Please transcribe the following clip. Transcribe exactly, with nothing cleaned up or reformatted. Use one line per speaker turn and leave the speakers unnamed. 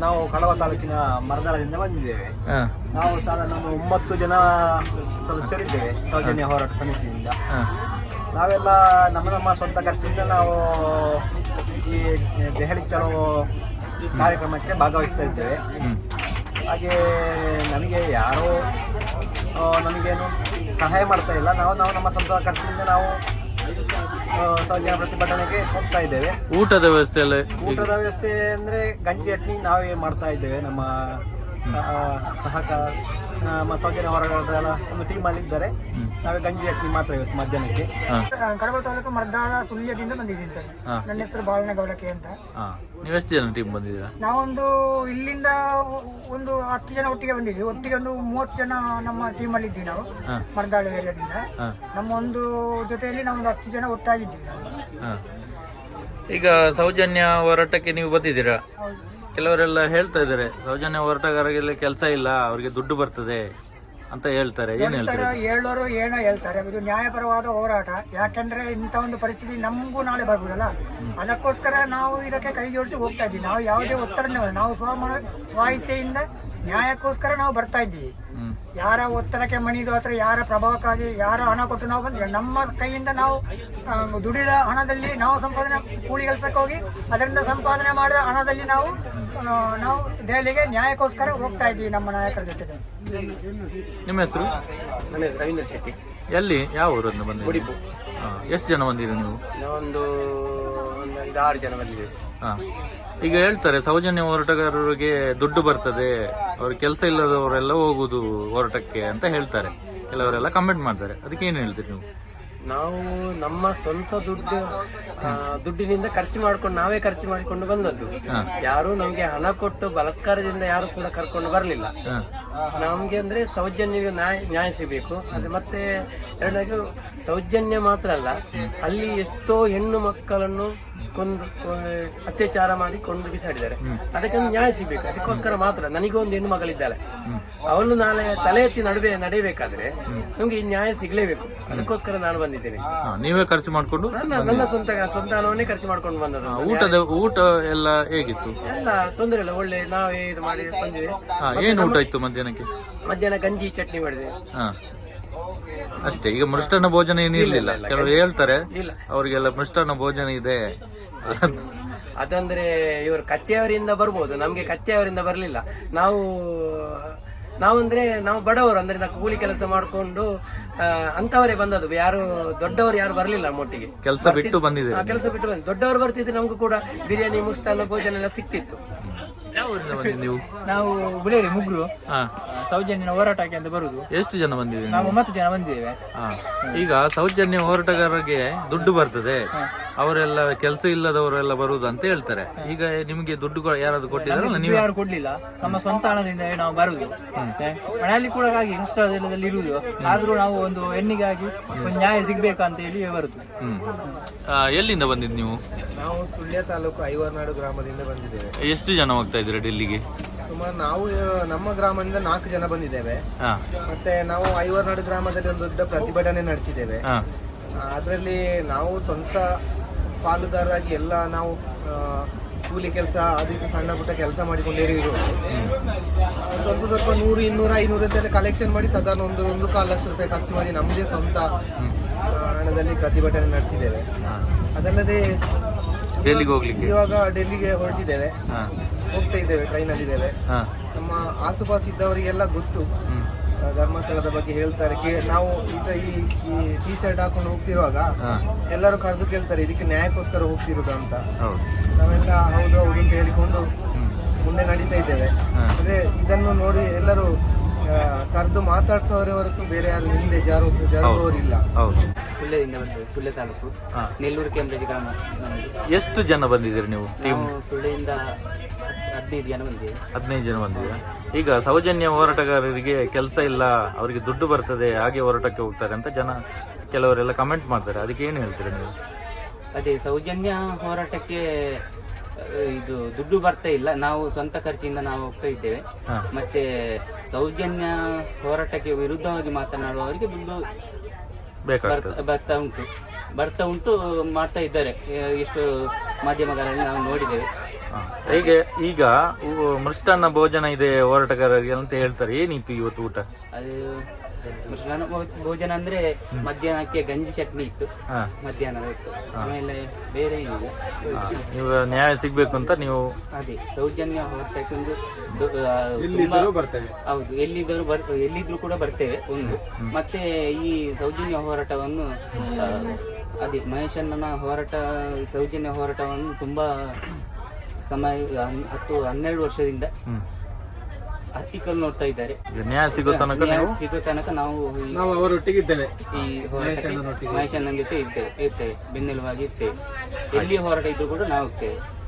ನಾವು ಕಡವ ತಾಲೂಕಿನ ಮರದಾಳದಿಂದ ಬಂದಿದ್ದೇವೆ. ನಾವು ಸಾಧಾರಣ ಒಂದು ಒಂಬತ್ತು ಜನ ಸದಸ್ಯರಿದ್ದೇವೆ ಸೌಜನ್ಯ ಹೋರಾಟ ಸಮಿತಿಯಿಂದ. ನಾವೆಲ್ಲ ನಮ್ಮ ನಮ್ಮ ಸ್ವಂತ ಖರ್ಚಿನಿಂದ ನಾವು ಈ ದೆಹಲಿ ಚಲೋ ಕಾರ್ಯಕ್ರಮಕ್ಕೆ ಭಾಗವಹಿಸ್ತಾ ಇದ್ದೇವೆ. ಹಾಗೆ ನಮಗೆ ಯಾರೋ ನಮಗೇನು ಸಹಾಯ ಮಾಡ್ತಾ ಇಲ್ಲ. ನಾವು ನಾವು ನಮ್ಮ ಸ್ವಂತ ಖರ್ಚಿನಿಂದ ನಾವು ಸೌಜನ್ಯ ಪ್ರತಿಭಟನೆಗೆ ಹೋಗ್ತಾ ಇದ್ದೇವೆ.
ಊಟದ ವ್ಯವಸ್ಥೆ ಎಲ್ಲ
ಊಟದ ವ್ಯವಸ್ಥೆ ಅಂದ್ರೆ ಗಂಜಿ ಚಟ್ನಿ ನಾವೇ ಮಾಡ್ತಾ ಇದ್ದೇವೆ. ನಮ್ಮ ಸಹಕಾರ ನಮ್ಮ ಸೌಜನ್ಯ ಹೋರಾಟಗಾರರ ಒಂದು ಟೀಮ್ ಅಲ್ಲಿ ಇದ್ದಾರೆ. ನಾವೇ ಗಂಜಿ ಚಟ್ನಿ ಮಾತ್ರ ಇವತ್ತು ಮಧ್ಯಾಹ್ನಕ್ಕೆ.
ಕಡಬ ತಾಲೂಕು ಮರ್ದಾಳ ಸುಳ್ಯದಿಂದ ಬಂದಿದ್ದೀನಿ ಸರ್. ನನ್ನ ಹೆಸರು ಬಾಲನಗೌಡಕೆ ಅಂತ.
ನೀವೆಷ್ಟು ಜನ ಟೀಮ್ ಬಂದಿದ್ದೀರಾ?
ನಾವೊಂದು ಇಲ್ಲಿಂದ ಒಂದು ಹತ್ತು ಜನ ಒಟ್ಟಿಗೆ ಬಂದಿದ್ವಿ. ಒಟ್ಟಿಗೆ ಒಂದು ಮೂವತ್ತು ಜನ ನಮ್ಮ ಟೀಮಲ್ಲಿ ಇದ್ವಿ ನಾವು ಮರ್ದಾಳ ಏರಿಯಾದಿಂದ. ನಮ್ಮ ಒಂದು ಜೊತೆಯಲ್ಲಿ ನಾವು ಒಂದು ಹತ್ತು ಜನ ಒಟ್ಟಾಗಿದ್ದೀವಿ ನಾವು.
ಈಗ ಸೌಜನ್ಯ ಹೋರಾಟಕ್ಕೆ ನೀವು ಬಂದಿದ್ದೀರಾ? ಕೆಲವರೆಲ್ಲ ಹೇಳ್ತಾ ಇದ್ದಾರೆ ಸೌಜನ್ಯ ಹೋರಾಟಗಾರರಿಗೆ ಕೆಲಸ ಇಲ್ಲ, ಅವ್ರಿಗೆ ದುಡ್ಡು ಬರ್ತದೆ ಅಂತ ಹೇಳ್ತಾರೆ. ಏನ್ ಹೇಳ್ತಾರೆ?
ಹೇಳೋರು ಏನೋ ಹೇಳ್ತಾರೆ. ಇದು ನ್ಯಾಯಪರವಾದ ಹೋರಾಟ. ಯಾಕಂದ್ರೆ ಇಂಥ ಒಂದು ಪರಿಸ್ಥಿತಿ ನಮಗೂ ನಾಳೆ ಬರ್ಬೋದಲ್ಲ, ಅದಕ್ಕೋಸ್ಕರ ನಾವು ಇದಕ್ಕೆ ಕೈ ಜೋಡಿಸಿ ಹೋಗ್ತಾ ಇದ್ದೀವಿ. ನಾವು ಯಾವುದೇ ಒತ್ತಡ ನಾವು ಸ್ವ ಸ್ವ ಇಚ್ಛೆಯಿಂದ ನ್ಯಾಯಕ್ಕೋಸ್ಕರ ನಾವು ಬರ್ತಾ ಇದ್ದೀವಿ. ಯಾರ ಒತ್ತಡಕ್ಕೆ ಮಣಿದು ಅಥವಾ ಯಾರ ಪ್ರಭಾವಕ್ಕಾಗಿ ಯಾರ ಹಣ ಕೊಟ್ಟು ನಾವು ಬಂದ್ರೆ ನಮ್ಮ ಕೈಯಿಂದ ನಾವು ದುಡಿದ ಹಣದಲ್ಲಿ ನಾವು ಸಂಪಾದನೆ ಕೂಲಿ ಕೆಲಸಕ್ಕೆ ಹೋಗಿ ಅದರಿಂದ ಸಂಪಾದನೆ ಮಾಡಿದ ಹಣದಲ್ಲಿ ನಾವು ನಾವು ದೆಹಲಿಗೆ ನ್ಯಾಯಕ್ಕೋಸ್ಕರ ಹೋಗ್ತಾ ಇದ್ದೀವಿ ನಮ್ಮ ನಾಯಕರ ಜೊತೆಗೆ.
ನಿಮ್ಮ ಹೆಸರು?
ನನ್ನ ಹೆಸರು ರವೀಂದ್ರ ಶೆಟ್ಟಿ.
ಎಲ್ಲಿ ಯಾವ ಊರನ್ನು ಬಂದ?
ಉಡುಪು.
ಎಷ್ಟು ಜನ ಬಂದಿರಿ ನೀವು?
ನಾವೊಂದು ಒಂದು ಐದಾರು ಜನ ಬಂದಿದ್ದೇವೆ.
ಹಾ, ಈಗ ಹೇಳ್ತಾರೆ ಸೌಜನ್ಯ ಹೋರಾಟಗಾರರಿಗೆ ದುಡ್ಡು ಬರ್ತದೆ, ಅವ್ರ ಕೆಲಸ ಇಲ್ಲದವರೆಲ್ಲ ಹೋಗುದು ಹೋರಾಟಕ್ಕೆ ಅಂತ ಹೇಳ್ತಾರೆ. ಕೆಲವರೆಲ್ಲ ಕಮೆಂಟ್ ಮಾಡ್ತಾರೆ. ಅದಕ್ಕೆ ಏನು ಹೇಳ್ತೀರಿ ನೀವು?
ನಾವು ನಮ್ಮ ಸ್ವಂತ ದುಡ್ಡು ದುಡ್ಡಿನಿಂದ ಖರ್ಚು ಮಾಡ್ಕೊಂಡು ನಾವೇ ಖರ್ಚು ಮಾಡಿಕೊಂಡು ಬಂದದ್ದು. ಯಾರು ನಮ್ಗೆ ಹಣ ಕೊಟ್ಟು ಬಲಾತ್ಕಾರದಿಂದ ಯಾರು ಕೂಡ ಕರ್ಕೊಂಡು ಬರಲಿಲ್ಲ. ನಮ್ಗೆ ಅಂದ್ರೆ ಸೌಜನ್ಯ ನ್ಯಾಯ ನ್ಯಾಯ ಸಿಗಬೇಕು. ಅದು ಮತ್ತೆ ಎರಡನೇದು ಸೌಜನ್ಯ ಮಾತ್ರ ಅಲ್ಲ, ಅಲ್ಲಿ ಎಷ್ಟೋ ಹೆಣ್ಣು ಮಕ್ಕಳನ್ನು ಕೊಂದು ಅತ್ಯಾಚಾರ ಮಾಡಿ ಕೊಂಡು ಬಿಸಾಡಿದ್ದಾರೆ. ಅದಕ್ಕೆ ನ್ಯಾಯ ಸಿಗ್ಬೇಕು. ಅದಕ್ಕೋಸ್ಕರ ಮಾತ್ರ ನನಗೊಂದು ಹೆಣ್ಣು ಮಗಳಿದ್ದಾಳೆ, ಅವಳು ನಾಳೆ ತಲೆ ಎತ್ತಿ ನಡುವೆ ನಡೆಯಬೇಕಾದ್ರೆ ನಮ್ಗೆ ಈ ನ್ಯಾಯ ಸಿಗ್ಲೇಬೇಕು. ಅದಕ್ಕೋಸ್ಕರ ನಾನು ಬಂದಿದ್ದೇನೆ.
ನೀವೇ ಖರ್ಚು ಮಾಡ್ಕೊಂಡು?
ನನ್ನ ನನ್ನ ಸ್ವಂತ ಸ್ವಂತ ಹಣವನ್ನೇ ಖರ್ಚು ಮಾಡ್ಕೊಂಡು ಬಂದದ್ದು.
ಊಟದ ಊಟ ಎಲ್ಲ ಹೇಗಿತ್ತು?
ಎಲ್ಲ ತೊಂದರೆ ಇಲ್ಲ, ಒಳ್ಳೆ ನಾವೇ ಇದು ಮಾಡಿ ಬಂದಿದೆ.
ಏನು ಊಟ ಇತ್ತು ಮಧ್ಯಾಹ್ನಕ್ಕೆ?
ಮಧ್ಯಾಹ್ನ ಗಂಜಿ ಚಟ್ನಿ ಮಾಡಿದೆ
ಅಷ್ಟೇ. ಈಗ ಮೃಷ್ಟಾನ್ನ ಭೋಜನ ಏನಿರ್ಲಿಲ್ಲ. ಕೆಲವರು ಹೇಳ್ತಾರೆ ಅವ್ರಿಗೆಲ್ಲ ಮೃಷ್ಟಾನ್ನ ಭೋಜನ ಇದೆ.
ಅದಂದ್ರೆ ಇವರು ಕಚ್ಚೆಯವರಿಂದ ಬರ್ಬೋದು, ನಮ್ಗೆ ಕಚ್ಚೆಯವರಿಂದ ಬರ್ಲಿಲ್ಲ. ನಾವು ನಾವಂದ್ರೆ ನಾವು ಬಡವರು, ಅಂದ್ರೆ ನಾವು ಕೂಲಿ ಕೆಲಸ ಮಾಡ್ಕೊಂಡು ಅಂತವರೇ ಬಂದದ್ದು. ಯಾರು ದೊಡ್ಡವರು ಯಾರು ಬರ್ಲಿಲ್ಲ ನಮ್ಮೊಟ್ಟಿಗೆ.
ಕೆಲಸ ಬಿಟ್ಟು ಬಂದಿದೆ.
ಕೆಲಸ ಬಿಟ್ಟು ಬಂದ ದೊಡ್ಡವರು ಬರ್ತಿದ್ರೆ ನಮ್ಗೂ ಕೂಡ ಬಿರಿಯಾನಿ ಮುಷ್ಟಾನ್ನ ಭೋಜನ ಎಲ್ಲ ಸಿಕ್ತಿತ್ತು.
ನೀವು?
ನಾವು ಗುಳೇರಿ ಮುಗ್ರು ಸೌಜನ್ಯ ಹೋರಾಟಕ್ಕೆ ಅಂತ ಬರುದು.
ಎಷ್ಟು ಜನ ಬಂದಿದೆ?
ನಾವು ಒಂಬತ್ತು ಜನ ಬಂದಿದ್ದೇವೆ.
ಈಗ ಸೌಜನ್ಯ ಹೋರಾಟಗಾರರಿಗೆ ದುಡ್ಡು ಬರ್ತದೆ, ಅವರೆಲ್ಲ ಕೆಲಸ ಇಲ್ಲದವರೆಲ್ಲ ಬರುದು ಅಂತ ಹೇಳ್ತಾರೆ. ಈಗ ನಿಮಗೆ ದುಡ್ಡು ಯಾರಾದ್ರು ಕೊಟ್ಟಿದಾರಲ್ಲ? ನೀವು?
ಯಾರು ಕೊಡ್ಲಿಲ್ಲ, ನಮ್ಮ ಸ್ವಂತ ಹಣದಿಂದ ನಾವು ಬರುದು. ಮನೆಯಲ್ಲಿ ಕೂಡ ಹಾಗೆ ಇನ್ಸ್ಟಾದಲ್ಲಿ ಇರುವುದು. ಆದ್ರೂ ನಾವು ಒಂದು ಹೆಣ್ಣಿಗಾಗಿ ಒಂದು ನ್ಯಾಯ ಸಿಗ್ಬೇಕಂತ ಹೇಳಿ ಬರುದು.
ಹ್ಮ್. ಎಲ್ಲಿಂದ ಬಂದಿದ್ ನೀವು?
ನಾವು ಸುಳ್ಯ ತಾಲೂಕು ಐವರ್ನಾಡು ಗ್ರಾಮದಿಂದ ಬಂದಿದ್ದೇವೆ.
ಎಷ್ಟು ಜನ ಹೋಗ್ತಾ ಇದ್ದೀರಾ ಡೆಲ್ಲಿಗೆ?
ಸುಮಾರು ನಾವು ನಮ್ಮ ಗ್ರಾಮದಿಂದ ನಾಲ್ಕು ಜನ ಬಂದಿದ್ದೇವೆ. ಮತ್ತೆ ನಾವು ಐವರ್ನಾಡು ಗ್ರಾಮದಲ್ಲಿ ಒಂದು ದೊಡ್ಡ ಪ್ರತಿಭಟನೆ ನಡೆಸಿದ್ದೇವೆ. ಅದರಲ್ಲಿ ನಾವು ಸ್ವಂತ ಪಾಲುದಾರರಾಗಿ ಎಲ್ಲ ನಾವು ಕೂಲಿ ಕೆಲಸ ಅದಕ್ಕೆ ಸಣ್ಣ ಪುಟ್ಟ ಕೆಲಸ ಮಾಡಿಕೊಂಡಿರೋದು. ಸ್ವಲ್ಪ ಸ್ವಲ್ಪ ನೂರು ಇನ್ನೂರ ಐನೂರು ಅಂತ ಕಲೆಕ್ಷನ್ ಮಾಡಿ ಸಾಧಾರಣ ಒಂದು ಒಂದು ಕಾಲು ಲಕ್ಷ ರೂಪಾಯಿ ಖರ್ಚು ಮಾಡಿ ನಮ್ಮದೇ ಸ್ವಂತ ಹಣದಲ್ಲಿ ಪ್ರತಿಭಟನೆ ನಡೆಸಿದ್ದೇವೆ. ಅದಲ್ಲದೆ
ಡೆಲ್ಲಿಗೆ ಹೋಗ್ಲಿಕ್ಕೆ
ಇವಾಗ ಡೆಲ್ಲಿಗೆ ಹೊರಟಿದ್ದೇವೆ, ಹೋಗ್ತಾ ಇದ್ದೇವೆ, ಟ್ರೈನಲ್ಲಿ ಇದ್ದೇವೆ. ನಮ್ಮ ಆಸುಪಾಸು ಇದ್ದವರಿಗೆಲ್ಲ ಗೊತ್ತು ಧರ್ಮಸ್ಥಳದ ಬಗ್ಗೆ ಹೇಳ್ತಾರೆ. ನಾವು ಈಗ ಈ ಟಿ ಶರ್ಟ್ ಹಾಕೊಂಡು ಹೋಗ್ತಿರುವಾಗ ಎಲ್ಲರೂ ಕರೆದು ಕೇಳ್ತಾರೆ ಇದಕ್ಕೆ ನ್ಯಾಯಕ್ಕೋಸ್ಕರ ಹೋಗ್ತಿರೋದು ಅಂತ. ನಾವೆಲ್ಲ ಹೌದು ಹೌದು ಅಂತ ಹೇಳಿಕೊಂಡು ಮುಂದೆ ನಡೀತಾ ಇದ್ದೇವೆ. ಅಂದ್ರೆ ಇದನ್ನು ನೋಡಿ ಎಲ್ಲರೂ ಕರೆದು ಮಾತಾಡ್ಸೋರೇ ಹೊರತು ಬೇರೆ ಯಾರು ಹಿಂದೆ ಜಾರು ಜಾರುವವರಿಲ್ಲ. ಸುಳ್ಯದಿಂದ ಬಂದಿದೆ, ಸುಳ್ಯ ತಾಲೂಕು ನೆಲ್ಲೂರು ಕೇಂದ್ರ ಗ್ರಾಮ.
ಎಷ್ಟು ಜನ ಬಂದಿದ್ದೀರಿ ನೀವು?
ಸುಳ್ಯದಿಂದ ಹದಿನೈದು ಜನ ಬಂದಿದೆ.
ಹದಿನೈದು ಜನ ಬಂದಿದ್ದೀರಾ? ಈಗ ಸೌಜನ್ಯ ಹೋರಾಟಗಾರರಿಗೆ ಕೆಲಸ ಇಲ್ಲ, ಅವರಿಗೆ ದುಡ್ಡು ಬರ್ತದೆ, ಹಾಗೆ ಹೋರಾಟಕ್ಕೆ ಹೋಗ್ತಾರೆ ಅಂತ ಜನ ಕೆಲವರೆಲ್ಲ ಕಮೆಂಟ್ ಮಾಡ್ತಾರೆ. ಅದಕ್ಕೆ ಏನು ಹೇಳ್ತೀರಾ ನೀವು?
ಅದೇ ಸೌಜನ್ಯ ಹೋರಾಟಕ್ಕೆ ಇದು ದುಡ್ಡು ಬರ್ತಾ ಇಲ್ಲ, ನಾವು ಸ್ವಂತ ಖರ್ಚಿಂದ ನಾವು ಹೋಗ್ತಾ ಇದ್ದೇವೆ. ಮತ್ತೆ ಸೌಜನ್ಯ ಹೋರಾಟಕ್ಕೆ ವಿರುದ್ಧವಾಗಿ ಮಾತನಾಡುವವರಿಗೆ ದುಡ್ಡು ಬರ್ತಾ ಉಂಟು ಬರ್ತಾ ಉಂಟು ಮಾಡ್ತಾ ಇದ್ದಾರೆ. ಎಷ್ಟು ಮಾಧ್ಯಮಗಳಲ್ಲಿ ನಾವು ನೋಡಿದ್ದೇವೆ.
ಹೀಗೆ ಈಗ ಉ- ಮೃಷ್ಟಾನ್ನ ಭೋಜನ ಇದೆ ಹೋರಾಟಗಾರರಿಗೆ ಅಂತ ಹೇಳ್ತಾರೆ, ಏನಿತ್ತು ಇವತ್ತು ಊಟ?
ಅದು ಮೃಷ್ಟಾನ್ನ ಭೋ- ಭೋಜನ ಅಂದ್ರೆ ಮಧ್ಯಾಹ್ನಕ್ಕೆ ಗಂಜಿ ಚಟ್ನಿ ಇತ್ತು,
ಹಾ.
ಮಧ್ಯಾಹ್ನದ ಹೊತ್ತು. ಆಮೇಲೆ ಬೇರೆ ಏನಿಲ್ಲ.
ನೀವು ನ್ಯಾಯ ಸಿಗ್ಬೇಕು ಅಂತ ನೀವು
ಅದೇ ಸೌಜನ್ಯ ಹೋರಾಟಕ್ಕೆ ಒಂದು ದೊ- ಆ, ತುಂಬಾ- ಹೌದು, ಎಲ್ಲಿದ್ದರೂ ಬರ್ ಎಲ್ಲಿದ್ರು ಕೂಡ ಬರ್ತೇವೆ ಒಂದು. ಮತ್ತೆ ಈ ಸೌಜನ್ಯ ಹೋರಾಟವನ್ನು ಆ, ಅದೇ ಮಹೇಶಣ್ಣನ ಹೋರಾಟ, ಸೌಜನ್ಯ ಹೋರಾಟವನ್ನು ತುಂಬಾ ಸಮಯ ಹನ್- ಹತ್ತು ಹನ್ನೆರಡು ವರ್ಷದಿಂದ ಹತ್ತಿಕಲ್ ನೋಡ್ತಾ ಇದ್ದಾರೆ.
ಈಗ ನ್ಯಾಯ ಸಿಗೋ ತನಕ
ನ್ಯಾಯ
ನೀವು
ಸಿಗೋ ತನಕ ನಾವು ಈ-
ನಾವು ಅವರೊಟ್ಟಿಗಿದ್ದೇವೆ.
ಈ ಹೋರಾಟಕ್ಕೆ ಮಹೇಶಣ್ಣನ ಜೊತೆ ಇರ್ತೇವೆ ಇರ್ತೇವೆ ಬೆನ್ನೆಲುಬಾಗಿ ಇರ್ತೇವೆ. ಎಲ್ಲಿ ಹೋರಾಟ ಇದ್ರು ಕೂಡ ನಾವು ಹೋಗ್ತೇವೆ.